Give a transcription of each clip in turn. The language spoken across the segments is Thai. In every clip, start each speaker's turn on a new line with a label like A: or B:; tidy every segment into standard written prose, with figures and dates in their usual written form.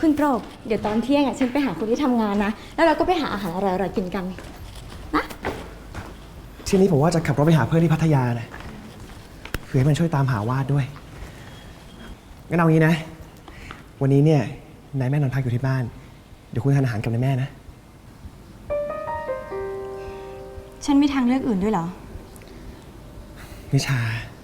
A: คุณโปรดเดี๋ยวตอนเที่ยงฉันไปหาคุณที่ทำงานนะแล้วเราก็ไปหาอาหารอร่อยๆกินกันนะ
B: ทีนี้ผมว่าจะขับรถไปหาเพื่อนที่พัทยานะคือให้มันช่วยตามหาวาดด้วยงั้นเอางี้นะวันนี้เนี่ยนายแม่นอนพักอยู่ที่บ้านเดี๋ยวคุณทานอาหารกับนายแม่นะ
A: ฉันมีทางเลือกอื่นด้วยเหรอ
B: นิชา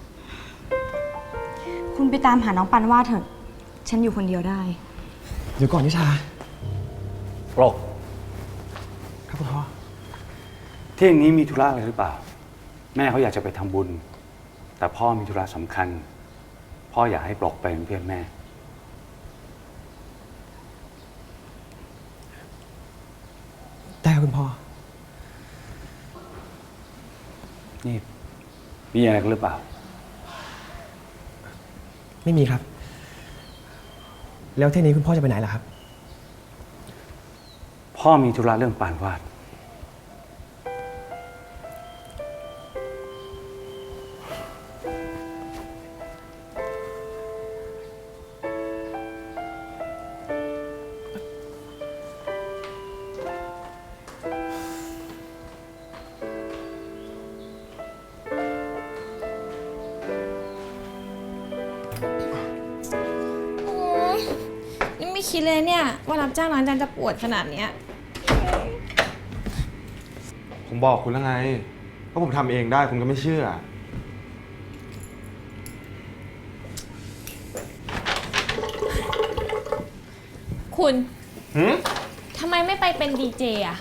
A: คุณไปตามหาน้องปันว่าเถอะฉันอยู่คนเดียวได้
B: เดี๋ยวก่อนนิชา
C: ปลก
B: ครับคุณพ่อ
C: เที่ยงนี้มีธุระอะไรหรือเปล่าแม่เขาอยากจะไปทำบุญแต่พ่อมีธุระสำคัญพ่ออยากให้ปลกไปเป็นเพื่อนแม่
B: ได้ครับคุณพ่อ
C: นี่มีอะไรกันหรือเปล่า
B: ไม่มีครับแล้วเที่ยงนี้คุณพ่อจะไปไหนล่ะครับ
C: พ่อมีธุระเรื่องปานวาด
D: ยังไม่คิดเลยเนี่ยว่ารับจ้างล้างจานจะปวดขนาดเนี้ย
E: ผมบอกคุณแล้วไงว่าผมทำเองได้คุณก็ไม่เชื่อ
D: คุณทำไมไม่ไปเป็นดีเจอะ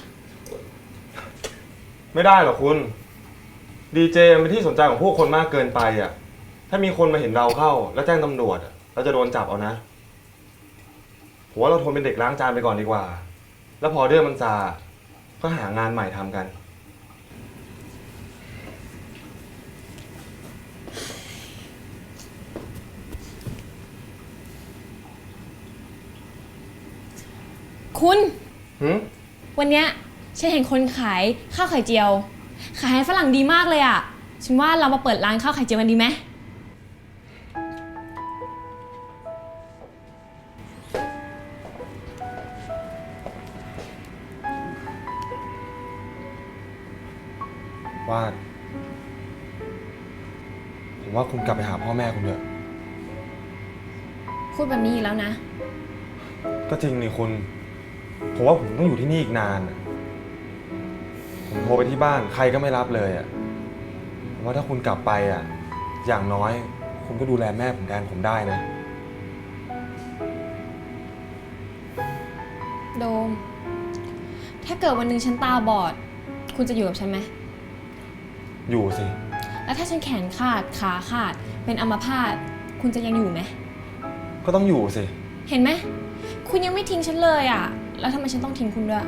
E: ไม่ได้หรอกคุณดีเจเป็นที่สนใจของผู้คนมากเกินไปอ่ะถ้ามีคนมาเห็นเราเข้าแล้วแจ้งตำรวจเราจะโดนจับเอานะผมว่าเราทนเป็นเด็กล้างจานไปก่อนดีกว่าแล้วพอเรื่องมันซาก็หางานใหม่ทำกัน
D: คุณ
E: วัน
D: เนี้ยฉันเห็นคนขายข้าวไข่เจียวขายให้ฝรั่งดีมากเลยอ่ะฉันว่าเรามาเปิดร้านข้าวไข่เจียวกันดีไหม
E: ว่าผมว่าคุณกลับไปหาพ่อแม่คุณเถอะ
D: พูดแบบนี้อีกแล้วนะ
E: ก็จริงนี่คุณผมว่าผมต้องอยู่ที่นี่อีกนานผมโทรไปที่บ้านใครก็ไม่รับเลยผมว่าถ้าคุณกลับไปอย่างน้อยคุณก็ดูแลแม่ผมแทนผมได้นะ
D: โดมถ้าเกิดวันหนึ่งฉันตาบอดคุณจะอยู่กับฉันไหม
E: อยู่สิ
D: แล้วถ้าฉันแขนขาดขาขาดเป็นอัมพาตคุณจะยังอยู่ไหม
E: ก็ต้องอยู่สิ
D: เห็นไหมคุณยังไม่ทิ้งฉันเลยแล้วทำไมฉันต้องทิ้งคุณด้วย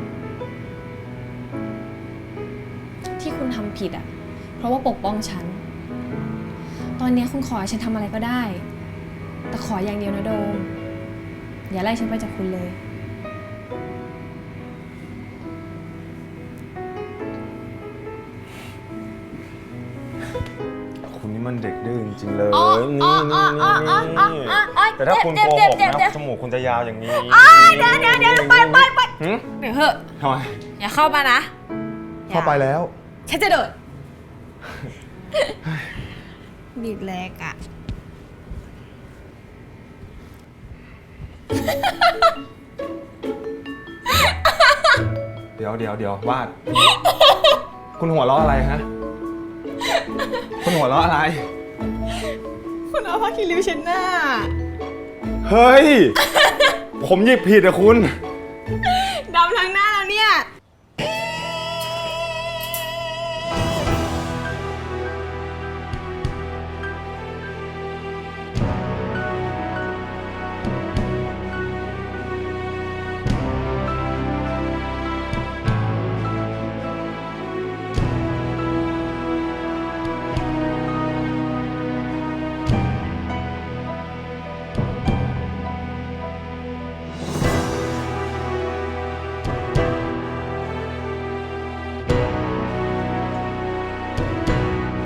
D: ที่คุณทำผิดเพราะว่าปกป้องฉันตอนนี้คุณขอให้ฉันทำอะไรก็ได้แต่ขออย่างเดียวนะโดมอย่าไล่ฉันไปจากคุณเลย
E: คุณนี่มันเด็กดื้อจริงๆเลยนี่แต่ถ้าคุณโกหกนะจมูกคุณจะยาวอย่างนี้
D: เดี๋ยวไปเดี๋ยวเหอะ
E: ทำไม
D: อย่าเข้ามานะ
E: เข้าไปแล้ว
D: ฉันจะโดดบีบแรก
E: เดี๋ยววาดคุณหัวเราะอะไรฮะคุณหัวเราะอะไร
D: คุณเอาผ้าคีริ้วเช็ดหน้า
E: เฮ้ยผมหยิบผิดคุณ
D: ดำทั้งหน้าแล้วเนี่ย